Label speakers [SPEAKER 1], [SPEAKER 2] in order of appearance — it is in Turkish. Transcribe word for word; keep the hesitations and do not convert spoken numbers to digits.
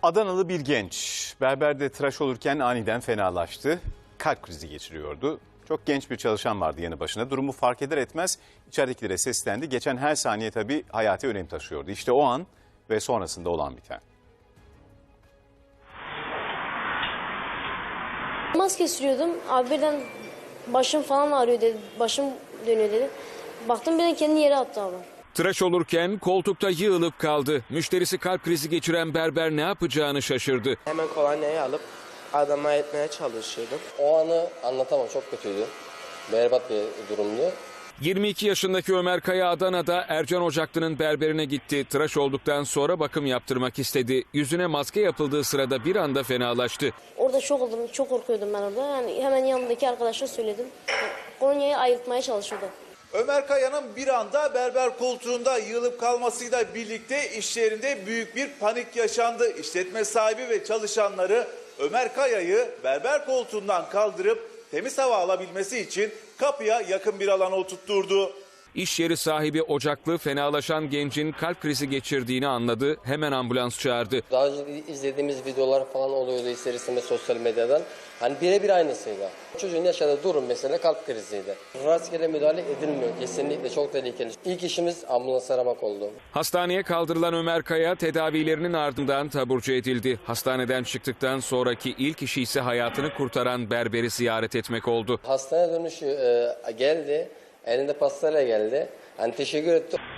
[SPEAKER 1] Adanalı bir genç berberde tıraş olurken aniden fenalaştı. Kalp krizi geçiriyordu. Çok genç bir çalışan vardı yanı başında. Durumu fark eder etmez içeridekilere seslendi. Geçen her saniye tabii hayati önem taşıyordu. İşte o an ve sonrasında olan biten.
[SPEAKER 2] Maske sürüyordum. Abi birden başım falan ağrıyor dedi. Başım dönüyor dedi. Baktım birden kendini yere attı abi.
[SPEAKER 3] Tıraş olurken koltukta yığılıp kaldı. Müşterisi kalp krizi geçiren berber ne yapacağını şaşırdı.
[SPEAKER 4] Hemen kolonyayı alıp adama etmeye çalışıyordum.
[SPEAKER 5] O anı anlatamam, çok kötüydü. Berbat bir durumdu.
[SPEAKER 3] yirmi iki yaşındaki Ömer Kaya Adana'da Ercan Ocaklı'nın berberine gitti. Tıraş olduktan sonra bakım yaptırmak istedi. Yüzüne maske yapıldığı sırada bir anda fenalaştı.
[SPEAKER 2] Orada şok oldum. Çok korkuyordum ben orada. Yani hemen yanımdaki arkadaşa söyledim. Kolonyayı ayırtmaya çalışıyordu.
[SPEAKER 6] Ömer Kaya'nın bir anda berber koltuğunda yığılıp kalmasıyla birlikte iş yerinde büyük bir panik yaşandı. İşletme sahibi ve çalışanları Ömer Kaya'yı berber koltuğundan kaldırıp temiz hava alabilmesi için kapıya yakın bir alana oturtturdu.
[SPEAKER 3] İş yeri sahibi Ocaklı fenalaşan gencin kalp krizi geçirdiğini anladı. Hemen ambulans çağırdı.
[SPEAKER 5] Daha önce izlediğimiz videolar falan oluyordu ister istemez sosyal medyadan. Hani birebir aynısıydı. Çocuğun yaşadığı durum mesela kalp kriziydi. Rastgele müdahale edilmiyor. Kesinlikle çok tehlikeli. İlk işimiz ambulans aramak oldu.
[SPEAKER 3] Hastaneye kaldırılan Ömer Kaya tedavilerinin ardından taburcu edildi. Hastaneden çıktıktan sonraki ilk işi ise hayatını kurtaran berberi ziyaret etmek oldu.
[SPEAKER 5] Hastane dönüşü e, geldi. Elinde pastayla geldi. Hani teşekkür etti.